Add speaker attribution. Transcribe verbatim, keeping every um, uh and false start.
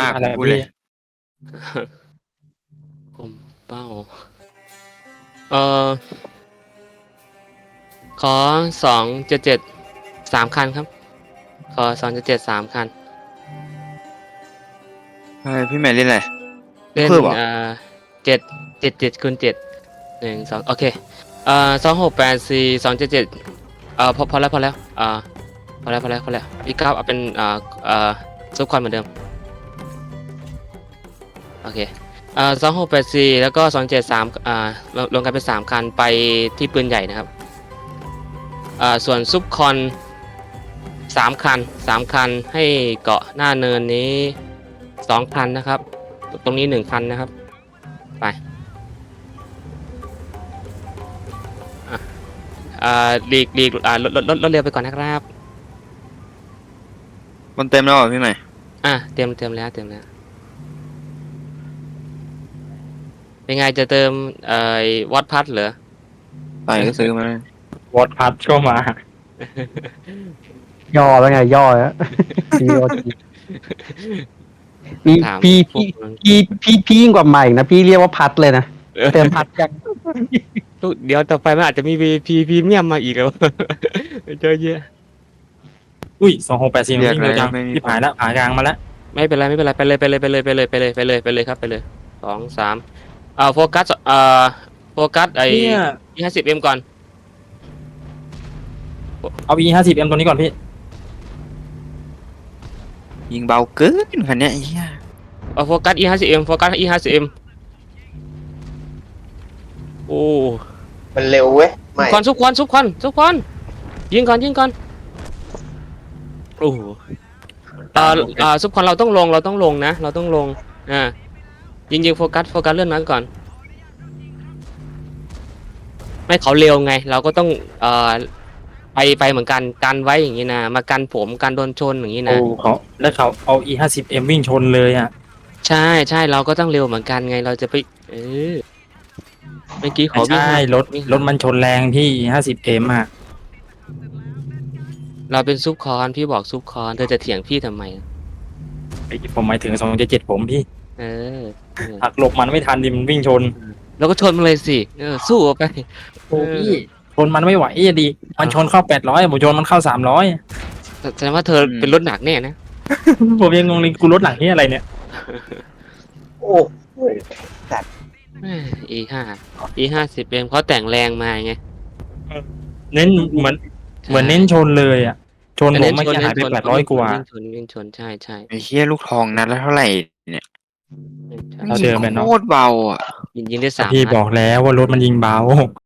Speaker 1: ากผมพูดเลย
Speaker 2: ผมเป้าเออขอสองเจ็ดเจ็ดสามคันครับขอสองเจ็ดเจ็ดสามคัน
Speaker 1: เฮ้ยพี่แมนเล่นอะไร
Speaker 2: เล่น
Speaker 1: เพิ่มเหรอ
Speaker 2: เอ่อเจ็ดเจ็ดเจ็ดคูณเจ็ดหนึ่งสองโอเคเอ่อสองหกแปดสี่สองเจ็ดเจ็ดเอ่อพอพอแล้วพอแล้วเอ่อพอแล้วพอแล้วพอแล้วพี่ก้าวเอาเป็นเอ่อเอ่อซุปคอนเหมือนเดิมโอเคเอ่อสองหกแปดสี่แล้วก็สองเจ็ดสามอ่ารวมกันเป็นสามคันไปที่ปืนใหญ่นะครับอ่าส่วนซุปคอนสามคันสามคันให้เกาะหน้าเนินนี้สองคันนะครับตรงนี้หนึ่งคันนะครับไปอ่าหลีกหลีกอ่าลดลดลดลดเร็วไปก่อนนะครับ
Speaker 1: มันเต็มแล้วเหรอพี่ใหม่
Speaker 2: อ่ะเตรียมเตรียมแล้วเตรียมแล้วเป็นไงจะเติมเอ่อวอตพัทเหรอ
Speaker 1: ไปก็ซื้อมาเลยว
Speaker 3: อดพัดก็มา
Speaker 4: ย่อแล้วไงย่อแล้วพี่พี่
Speaker 2: ถาม
Speaker 4: พี่
Speaker 2: พว
Speaker 4: พี่
Speaker 2: กมัน
Speaker 4: พี่พี่พี่ยิ่งกว่าใหม่นะพี่เรียกว่าพัดเลยนะเติมพัดยัง
Speaker 2: ลูกเดี๋ยวต่อไปมันอาจจะมี วี ไอ พี พรีเมียมมาอีกแล้ว เจอเยอะ
Speaker 3: อุ้ยสองหกแปดสี่มัน
Speaker 1: เรียก
Speaker 3: วิ่ง
Speaker 1: อะไร
Speaker 3: เร็วจัง
Speaker 1: ไม่มี
Speaker 3: ที่ผ่านแล้วผ่ากลางมาแล้ว
Speaker 2: ไม่เป็นไรไม่เป็นไรไปเลยไปเลยไปเลยไปเลยไปเลยไปเลยไปเลยไปเลยครับไปเลยสองสามอ่าโฟกัสอ่าโฟกัสไอ้
Speaker 3: เนี่ย
Speaker 2: ยี่ห้าสิบเอ็มก่อน
Speaker 3: เอา e ห้าสิบ m ตัวนี้ก่อนพี่
Speaker 1: ยิงเบาเกินคันเนี้ยไอ้เหี้ย
Speaker 2: เอาโฟกัส อี ห้าสิบ เอ็ม โฟกัส อี ห้าสิบ เอ็ม โอ้
Speaker 5: มันเร็วเว้ยไม่
Speaker 2: ควันซุปควันซุปควันซุปควันยิงก่อนยิงก่อนโอ้โหอ่าอ่าซุปควันเราต้องลงเราต้องลงนะ เราต้องลงอ่ายิงยิงโฟกัสโฟกัสเลื่อนนั้นก่อนไม่เขาเร็วไง เราก็ต้องเอ่อไปไปเหมือนกันกันไว้อย่างนี้นะมากันผมกันโดนชนอย่างนี้
Speaker 3: โอ้
Speaker 2: นะ
Speaker 3: เขาแล้วเขาเอา e ห้าสิบ m วิ่งชนเลยอ่ะ
Speaker 2: ใช่ใช่เราก็ต้องเร็วเหมือนกันไงเราจะไปเออเมื่อกี้ขอวิ่ง
Speaker 3: ใช่รถ
Speaker 2: วิ่ง
Speaker 3: รถมันชนแรงพี่ e ห้าสิบ m อ่ะ
Speaker 2: เราเป็นซุปคอนพี่บอกซุปคอนเธอจะเถียงพี่ทำไม
Speaker 3: ไอ้ผมหมายถึงสองเจ็ดเจ็ดผมพี่
Speaker 2: เออเออ
Speaker 3: หักหลบมันไม่ทันดิมันวิ่งชน
Speaker 2: แล้วก็ชนมันเลยสิเออสู้เอาไป
Speaker 3: โอ้พี่ชนมันไม่ไหวอ่ะดิมันชนเข้าแปดร้อยผมชนมันเข้าสามร้อย
Speaker 2: แสดงว่าเธอเป็นรถหนักแน่นะ
Speaker 3: ผมยังงงเลยกูรถหลังนี่อะไรเนี่ย
Speaker 5: โอ้โห
Speaker 2: อีห้าอีห้าสิบเอ็มเขาแต่งแรงมาไง
Speaker 3: เน้นเหมือนเหมือนเน้นชนเลยอ่ะชนผมไม่อกี้หายไปแปดร้อยกว่า
Speaker 2: วิ่งชนวิ่งชนใช่ใช่
Speaker 1: ไอ้เหี้ยลูกทองนัดแล้วเท่าไหร่เนี่ย
Speaker 3: เอาเดิมไปเนอะ
Speaker 1: โคตรเบาอ่ะ
Speaker 2: ยิงยิงได้สาม
Speaker 3: พี่
Speaker 2: นัด
Speaker 3: บอกแล้วว่ารถมันยิงเบา